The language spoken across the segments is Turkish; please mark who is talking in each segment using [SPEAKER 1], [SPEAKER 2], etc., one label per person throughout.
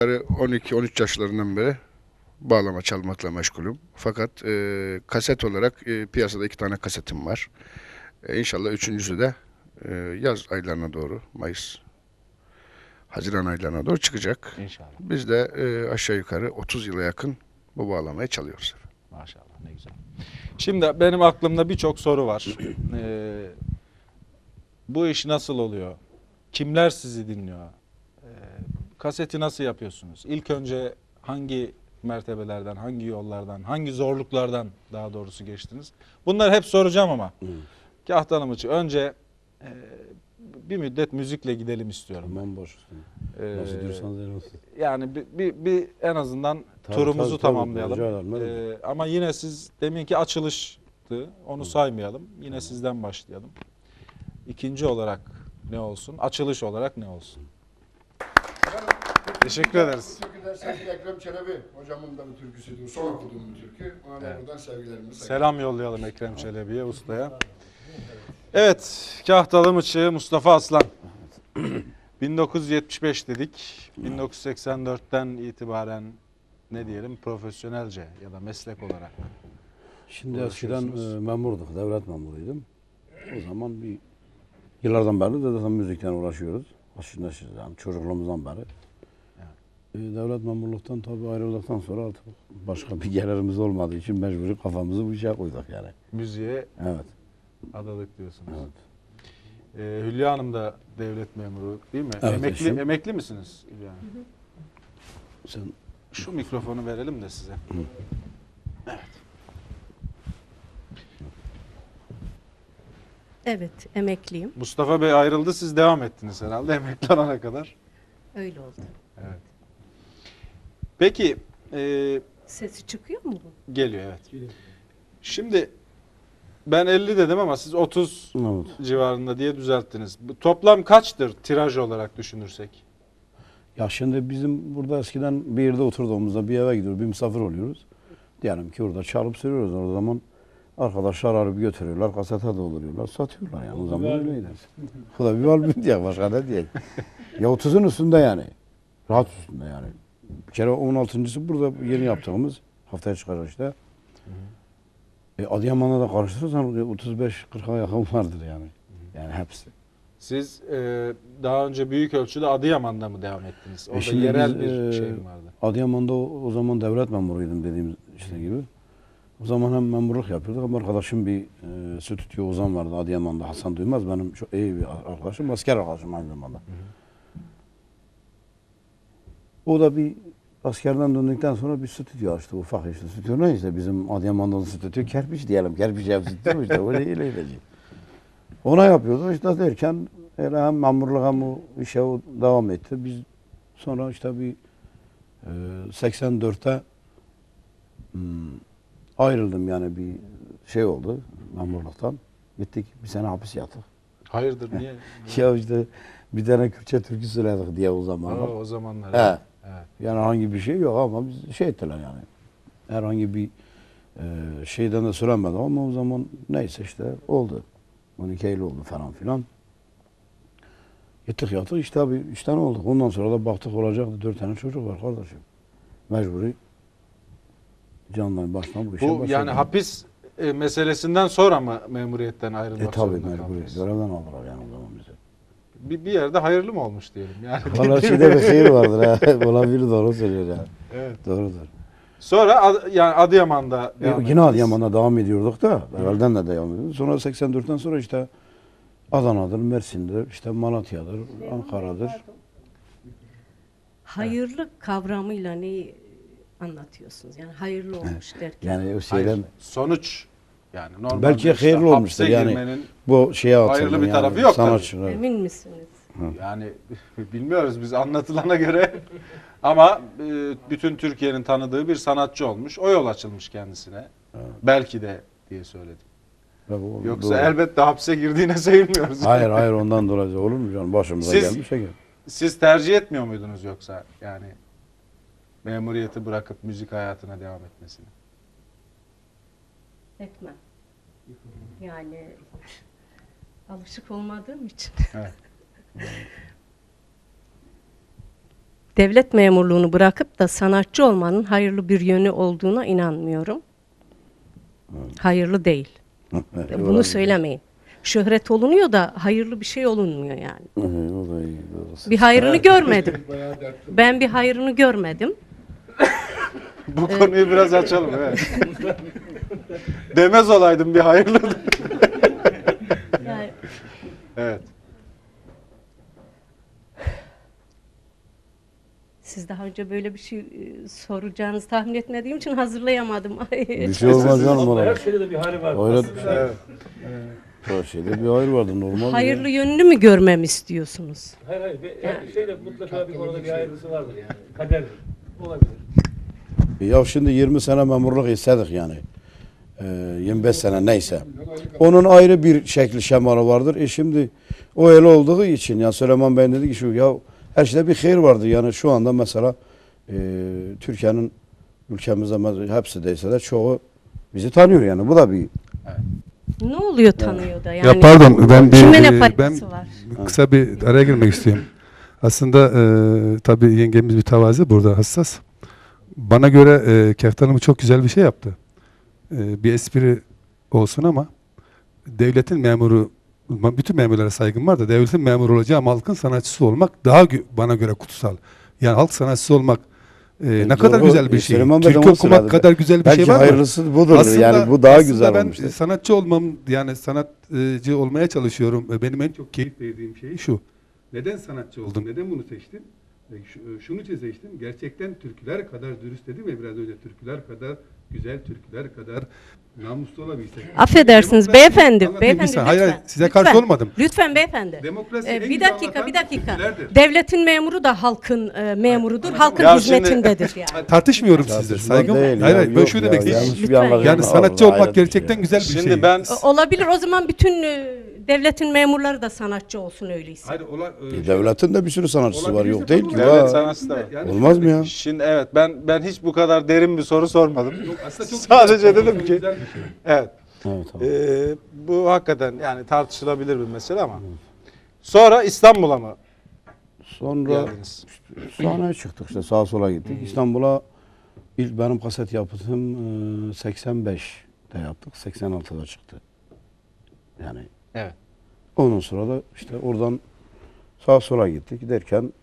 [SPEAKER 1] 12-13 yaşlarından beri bağlama çalmakla meşgulüm. Fakat kaset olarak piyasada 2 tane kasetim var. İnşallah üçüncüsü de yaz aylarına doğru, Mayıs, Haziran aylarına doğru çıkacak.
[SPEAKER 2] İnşallah.
[SPEAKER 1] Biz de aşağı yukarı 30 yıla yakın bu bağlamayı çalıyoruz.
[SPEAKER 2] Maşallah, ne güzel. Şimdi benim aklımda birçok soru var. Bu iş nasıl oluyor? Kimler sizi dinliyor? Kaseti nasıl yapıyorsunuz? İlk önce hangi mertebelerden, hangi yollardan, hangi zorluklardan daha doğrusu geçtiniz? Bunları hep soracağım ama. Kahtanım için önce bir müddet müzikle gidelim istiyorum.
[SPEAKER 3] Tamam, boş üstüne. Nasıl diyorsanız öyle olsun.
[SPEAKER 2] Yani bir en azından
[SPEAKER 3] Tabii,
[SPEAKER 2] turumuzu
[SPEAKER 3] tabii,
[SPEAKER 2] tamamlayalım.
[SPEAKER 3] rica ederim.
[SPEAKER 2] Ama yine siz deminki açılıştı. Onu saymayalım. Yine sizden başlayalım. İkinci olarak ne olsun? Açılış olarak ne olsun? Teşekkür ederiz.
[SPEAKER 1] Bu türküden sevgili Ekrem Çelebi hocamın da bir türküsüydü. Son okuduğum bir türkü. Ona da buradan sevgilerimizi
[SPEAKER 2] Selam yollayalım Ekrem Çelebi'ye, ustaya. Evet, Kahtalı Mıçı Mustafa Aslan. 1975 dedik. 1984'ten itibaren ne diyelim, profesyonelce ya da meslek olarak.
[SPEAKER 3] Şimdi eskiden memurduk, devlet memuruydum. O zaman yıllardan beri de zaten müzikten uğraşıyoruz. Aslında yani çocukluğumuzdan beri. Devlet memurluktan tabii ayrıldıktan sonra artık başka bir gelirimiz olmadığı için mecburi kafamızı bu işe koyduk yani.
[SPEAKER 2] Müziğe
[SPEAKER 3] Evet.
[SPEAKER 2] adadık diyorsunuz.
[SPEAKER 3] Evet.
[SPEAKER 2] Hülya Hanım da devlet memuru değil mi?
[SPEAKER 3] Evet,
[SPEAKER 2] Emekli misiniz Hülya Hanım?
[SPEAKER 3] Sen
[SPEAKER 2] Şu mikrofonu verelim de size. Evet.
[SPEAKER 4] Evet, emekliyim.
[SPEAKER 2] Mustafa Bey ayrıldı, siz devam ettiniz herhalde emekli olana kadar.
[SPEAKER 4] Öyle oldu.
[SPEAKER 2] Evet. Peki,
[SPEAKER 4] Sesi çıkıyor mu bu?
[SPEAKER 2] geliyor evet. Şimdi ben 50 dedim ama siz 30
[SPEAKER 3] evet.
[SPEAKER 2] civarında diye düzelttiniz. Bu toplam kaçtır tiraj olarak düşünürsek?
[SPEAKER 3] Ya şimdi bizim burada eskiden bir yerde oturduğumuzda bir eve gidiyoruz, bir misafir oluyoruz. Diyelim ki orada çalıp söylüyoruz. O zaman arkadaşlar arayıp götürüyorlar, kasete dolduruyorlar, satıyorlar yani. O zaman öyleydi. Bu da bir albüm diye, başka ne diye. Ya 30'un üstünde yani. Rahat üstünde yani. Bir kere 16.'sı burada yeni yaptığımız, haftaya çıkacak işte. Adıyaman'la da karıştırırsan 35-40'a yakın vardır yani. Yani hepsi.
[SPEAKER 2] Siz daha önce büyük ölçüde Adıyaman'da mı devam ettiniz? Orada
[SPEAKER 3] Şimdi
[SPEAKER 2] yerel
[SPEAKER 3] biz,
[SPEAKER 2] bir şey mi vardı?
[SPEAKER 3] Adıyaman'da o zaman devlet memuruydum dediğimiz işte gibi. O zaman hem memurluk yapıyorduk ama arkadaşım bir stüdyo Ozan vardı Adıyaman'da, Hasan Duymaz, benim çok iyi bir arkadaşım, asker arkadaşım aynı zamanda. O da bir askerden döndükten sonra bir stüdyo açtı, ufak işte. Stüdyo ne işte, bizim Adıyaman'da stüdyo kerpiç diyelim, kerpiç ev stüdyo işte, öyle. Ona yapıyordu işte derken öyle hem memurluk hem o işe o devam etti. Biz sonra işte bir 84'te ayrıldım yani, bir şey oldu memurluktan. Gittik bir sene hapis yattık.
[SPEAKER 2] Hayırdır niye?
[SPEAKER 3] Ya işte bir tane Kürtçe türkü söyledik diye o zamanlar.
[SPEAKER 2] O zamanlar.
[SPEAKER 3] He.
[SPEAKER 2] Evet.
[SPEAKER 3] Yani herhangi bir şey yok ama biz şey ettiler yani. Herhangi bir şeyden de söylemedim ama o zaman neyse işte oldu. 12 Eylül oldu falan filan. Gittik yattık işte abi, işten olduk. Ondan sonra da baktık olacaktı, 4 tane çocuk var kardeşim. Mecburi candan baştan bu işe
[SPEAKER 2] Bu
[SPEAKER 3] başladık.
[SPEAKER 2] yani hapis meselesinden sonra mı memuriyetten ayrılmak
[SPEAKER 3] Tabii
[SPEAKER 2] zorunda
[SPEAKER 3] mecburi.
[SPEAKER 2] kaldınız?
[SPEAKER 3] Görevden aldılar yani o zaman bizi.
[SPEAKER 2] Bir yerde hayırlı mı olmuş diyelim yani.
[SPEAKER 3] Valla şeyde bir hayır vardır ha. Olabilir, doğru söylüyor yani.
[SPEAKER 2] Evet.
[SPEAKER 3] Doğrudur.
[SPEAKER 2] Sonra yani Adıyaman'da devam
[SPEAKER 3] Yine
[SPEAKER 2] ettiniz.
[SPEAKER 3] Adıyaman'da devam ediyorduk da, evvelden de devam ediyorduk. Sonra 84'ten sonra işte Adana'dır, Mersin'dir, işte Malatya'dır, Ankara'dır.
[SPEAKER 4] Hayırlı kavramıyla neyi anlatıyorsunuz? Yani hayırlı olmuş derken.
[SPEAKER 3] Yani o şeyden
[SPEAKER 2] Hayır, sonuç yani normalde
[SPEAKER 3] belki
[SPEAKER 2] işte
[SPEAKER 3] hayırlı
[SPEAKER 2] hapse
[SPEAKER 3] olmuştur yani.
[SPEAKER 2] girmenin
[SPEAKER 3] Bu şeye atıldı
[SPEAKER 2] hayırlı bir
[SPEAKER 3] yani,
[SPEAKER 2] tarafı yok tabii.
[SPEAKER 3] sanatçılar.
[SPEAKER 4] Emin misiniz?
[SPEAKER 2] yani bilmiyoruz biz anlatılana göre ama bütün Türkiye'nin tanıdığı bir sanatçı olmuş. O yol açılmış kendisine. Belki de diye söyledim. Yoksa
[SPEAKER 3] Doğru.
[SPEAKER 2] elbette hapse girdiğine sayılmıyoruz.
[SPEAKER 3] Hayır ondan dolayı olur mu canım? Başımıza
[SPEAKER 2] Siz-
[SPEAKER 3] gelmiş şey.
[SPEAKER 2] Siz tercih etmiyor muydunuz yoksa yani memuriyeti bırakıp müzik hayatına devam etmesini?
[SPEAKER 4] Etmem. Yani alışık olmadığım için.
[SPEAKER 2] Evet.
[SPEAKER 4] devlet memurluğunu bırakıp da sanatçı olmanın hayırlı bir yönü olduğuna inanmıyorum. Hayırlı değil. Bunu söylemeyin. Şöhret olunuyor da hayırlı bir şey olunmuyor yani.
[SPEAKER 3] O da iyi. Doğrusu.
[SPEAKER 4] Bir hayrını görmedim. Ben bir hayrını görmedim.
[SPEAKER 2] Bu konuyu biraz açalım. Evet. Demez olaydım bir hayırlı.
[SPEAKER 4] Yani
[SPEAKER 2] Evet.
[SPEAKER 4] siz daha önce böyle bir şey soracağınızı tahmin etmediğim için hazırlayamadım.
[SPEAKER 3] Bir şey olmaz canım ona.
[SPEAKER 5] Her şeyde de bir hali var.
[SPEAKER 3] Hayret
[SPEAKER 5] Aslında
[SPEAKER 3] bir şey. Her şeyde bir hayır vardı normal.
[SPEAKER 4] Hayırlı yönünü mü görmemi istiyorsunuz?
[SPEAKER 5] Hayır hayır. Her şeyde mutlaka bir konuda bir hayırlısı vardır yani. Kader olabilir.
[SPEAKER 3] Ya şimdi 20 sene memurluk istedik yani. 25 sene neyse. Onun ayrı bir şekli şemalı vardır. Şimdi o öyle olduğu için ya Süleyman Bey dedi ki şu ya her şeyde bir hayır vardır. Yani şu anda mesela Türkiye'nin ülkemizde hepsi değilse de çoğu bizi tanıyor yani. Bu da bir
[SPEAKER 4] Ne oluyor tanıyor da yani?
[SPEAKER 6] Ya pardon ben
[SPEAKER 4] Kime ne
[SPEAKER 6] ben
[SPEAKER 4] faydası var?
[SPEAKER 6] kısa bir araya girmek istiyorum. Aslında tabii yengemiz bir tevazi burada hassas. Bana göre Keftan Hanım çok güzel bir şey yaptı. Bir espri olsun ama devletin memuru, bütün memurlara saygım var da devletin memuru olacağım halkın sanatçısı olmak daha bana göre kutsal. Yani halk sanatçısı olmak ne kadar
[SPEAKER 3] doğru.
[SPEAKER 6] güzel bir şey.
[SPEAKER 3] Süleyman Bey de
[SPEAKER 6] Türkü
[SPEAKER 3] onu
[SPEAKER 6] okumak
[SPEAKER 3] söyledi.
[SPEAKER 6] kadar güzel bir
[SPEAKER 3] belki
[SPEAKER 6] şey var mı?
[SPEAKER 3] hayırlısı budur. Yani bu daha güzel
[SPEAKER 6] ben
[SPEAKER 3] olmuştur.
[SPEAKER 6] sanatçı olmam, yani sanatçı olmaya çalışıyorum. Benim en çok keyif verdiğim şey şu. Neden sanatçı oldum? Neden bunu seçtim? Şunu için seçtim. Gerçekten türküler kadar dürüst dedim ya biraz önce. Türküler kadar güzel, türküler kadar namuslu olabilsek.
[SPEAKER 4] Affedersiniz
[SPEAKER 6] Demokrasi-
[SPEAKER 4] beyefendi.
[SPEAKER 6] Anlatayım
[SPEAKER 4] Beyefendi
[SPEAKER 6] bir saniye.
[SPEAKER 4] lütfen.
[SPEAKER 6] Hayır, hayır, size karşı
[SPEAKER 4] Lütfen.
[SPEAKER 6] olmadım.
[SPEAKER 4] Lütfen beyefendi.
[SPEAKER 6] Demokrasi en
[SPEAKER 4] Bir
[SPEAKER 6] güzel
[SPEAKER 4] dakika,
[SPEAKER 6] anlatan
[SPEAKER 4] bir dakika.
[SPEAKER 6] türkülerdir.
[SPEAKER 4] Devletin memuru da halkın memurudur. Halkın
[SPEAKER 2] Ya şimdi-
[SPEAKER 4] hizmetindedir yani.
[SPEAKER 6] Tartışmıyorum sizle.
[SPEAKER 3] Tartışma
[SPEAKER 6] Saygım.
[SPEAKER 3] değil
[SPEAKER 6] Hayır,
[SPEAKER 3] ya,
[SPEAKER 6] hayır. Ben
[SPEAKER 3] yok
[SPEAKER 6] şunu
[SPEAKER 3] ya,
[SPEAKER 6] demek
[SPEAKER 3] yanlış
[SPEAKER 6] istiyorum.
[SPEAKER 3] bir
[SPEAKER 4] Lütfen.
[SPEAKER 3] anlaşılma
[SPEAKER 6] Yani
[SPEAKER 3] var
[SPEAKER 6] sanatçı
[SPEAKER 3] orada,
[SPEAKER 6] olmak
[SPEAKER 3] hayret bir
[SPEAKER 6] gerçekten
[SPEAKER 3] şey.
[SPEAKER 6] güzel bir
[SPEAKER 2] Şimdi
[SPEAKER 6] şey.
[SPEAKER 2] ben
[SPEAKER 4] Olabilir. O zaman bütün devletin memurları da sanatçı olsun öyleyse.
[SPEAKER 6] Hayır,
[SPEAKER 3] Devletin de bir sürü sanatçısı var. Yok değil ki.
[SPEAKER 2] Devlet
[SPEAKER 3] Va-
[SPEAKER 2] sanatçısı da var.
[SPEAKER 3] Olmaz mı ya?
[SPEAKER 2] Şimdi evet ben hiç bu kadar derin bir soru sormadım.
[SPEAKER 6] Aslında çok
[SPEAKER 2] Sadece
[SPEAKER 6] güzel,
[SPEAKER 2] dedim ki
[SPEAKER 6] güzel bir şey.
[SPEAKER 2] evet.
[SPEAKER 3] Evet, tamam.
[SPEAKER 2] Bu hakikaten yani tartışılabilir bir mesele ama. Sonra İstanbul'a mı
[SPEAKER 3] Sonra
[SPEAKER 2] geldiniz?
[SPEAKER 3] sahneye çıktık işte sağa sola gittik. İstanbul'a ilk benim kaset yaptığım 85'te yaptık. 86'da çıktı. Yani
[SPEAKER 2] Evet.
[SPEAKER 3] ondan sonra da işte oradan sağa sola gittik. Giderken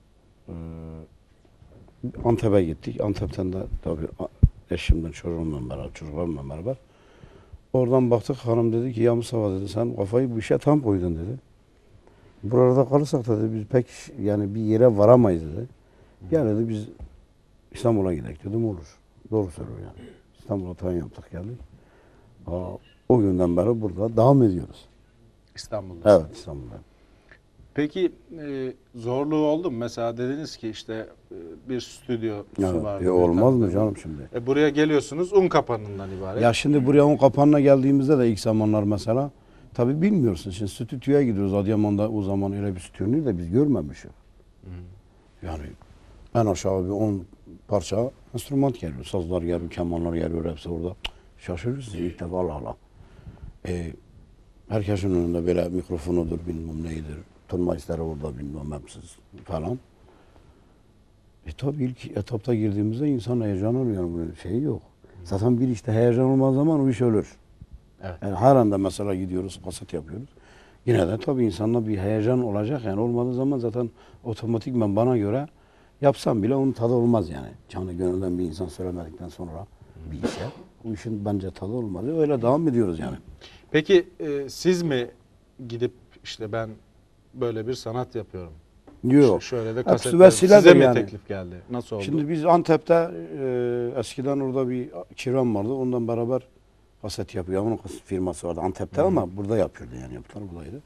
[SPEAKER 3] Antep'e gittik. Antep'ten de tabii eşimden, çocuklarımla beraber. Oradan baktık hanım dedi ki ya Mustafa dedi sen kafayı bu işe tam koydun dedi. Burada kalırsak da dedi biz pek yani bir yere varamayız dedi. Ya dedi biz İstanbul'a gidelim dedim olur. Doğru söylüyor yani. İstanbul'a tayin yaptık geldik. O günden beri burada devam ediyoruz.
[SPEAKER 2] İstanbul'da.
[SPEAKER 3] Evet İstanbul'da.
[SPEAKER 2] Peki zorluğu oldu mu? Mesela dediniz ki işte bir stüdyosu
[SPEAKER 3] Evet.
[SPEAKER 2] vardı.
[SPEAKER 3] Olmaz mı canım şimdi?
[SPEAKER 2] Buraya geliyorsunuz un kapanından ibaret.
[SPEAKER 3] Ya şimdi buraya on kapanına geldiğimizde de ilk zamanlar mesela tabii bilmiyorsun. Şimdi stüdyoya gidiyoruz. Adıyaman'da o zaman öyle bir stüdyoyu da biz görmemişiz. Yani en aşağı bir 10 parça enstrüman geliyor. Sazlar geliyor, kemanlar geliyor hepsi orada. Şaşırırsın ilk defa Allah Allah. Herkesin önünde böyle mikrofonudur bilmem neydir. Turnmaistleri orada bilmem hepsi falan. Tabii ilk etapta girdiğimizde insan heyecan oluyor. Bunun şeyi yok. Zaten bir işte heyecan olmadığı zaman o iş ölür.
[SPEAKER 2] Evet.
[SPEAKER 3] Yani her anda mesela gidiyoruz, kaset yapıyoruz. Yine de tabii insanda bir heyecan olacak. Yani olmadığı zaman zaten otomatikman bana göre yapsam bile onun tadı olmaz yani. Canı gönülden bir insan söylemedikten sonra bir işe. Bu işin bence tadı olmaz. Öyle devam ediyoruz yani.
[SPEAKER 2] Peki siz mi gidip işte ben böyle bir sanat yapıyorum.
[SPEAKER 3] Yok.
[SPEAKER 2] Şöyle de
[SPEAKER 3] Hepsi
[SPEAKER 2] kasetler.
[SPEAKER 3] vesile
[SPEAKER 2] Size
[SPEAKER 3] de
[SPEAKER 2] mi
[SPEAKER 3] yani.
[SPEAKER 2] teklif geldi? Nasıl oldu?
[SPEAKER 3] Şimdi biz Antep'te eskiden orada bir kiram vardı. Ondan beraber kaset yapıyor. Onun firması vardı Antep'te ama burada yapıyordu yani yaptılar buradaydı.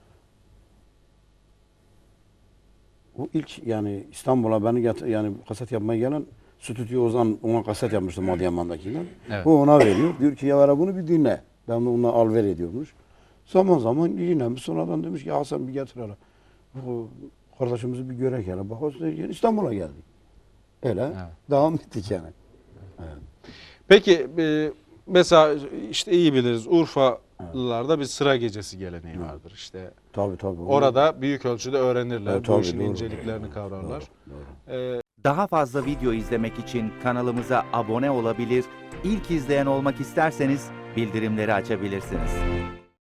[SPEAKER 3] O ilk yani İstanbul'a beni yani kaset yapmaya gelen stüdyo Ozan ona kaset yapmıştım Adıyaman'dakinden.
[SPEAKER 2] Evet.
[SPEAKER 3] O ona veriyor. Diyor ki ya ver bunu bir dinle. Ben de ona al ver ediyormuş. Zaman zaman dinlemiş. Sonradan demiş ki Hasan bir getir hele. Bu kardeşimizi bir görek hele. Bak İstanbul'a geldik. Öyle
[SPEAKER 2] Evet.
[SPEAKER 3] devam ettik yani.
[SPEAKER 2] Peki mesela işte iyi biliriz Urfa Keftalılarda bir sıra gecesi geleneği vardır. İşte
[SPEAKER 3] Tabii tabii.
[SPEAKER 2] orada büyük ölçüde öğrenirler.
[SPEAKER 3] Evet,
[SPEAKER 2] Bu
[SPEAKER 3] tabii,
[SPEAKER 2] işin
[SPEAKER 3] doğru.
[SPEAKER 2] inceliklerini kavrarlar.
[SPEAKER 7] Daha fazla video izlemek için kanalımıza abone olabilir, ilk izleyen olmak isterseniz bildirimleri açabilirsiniz.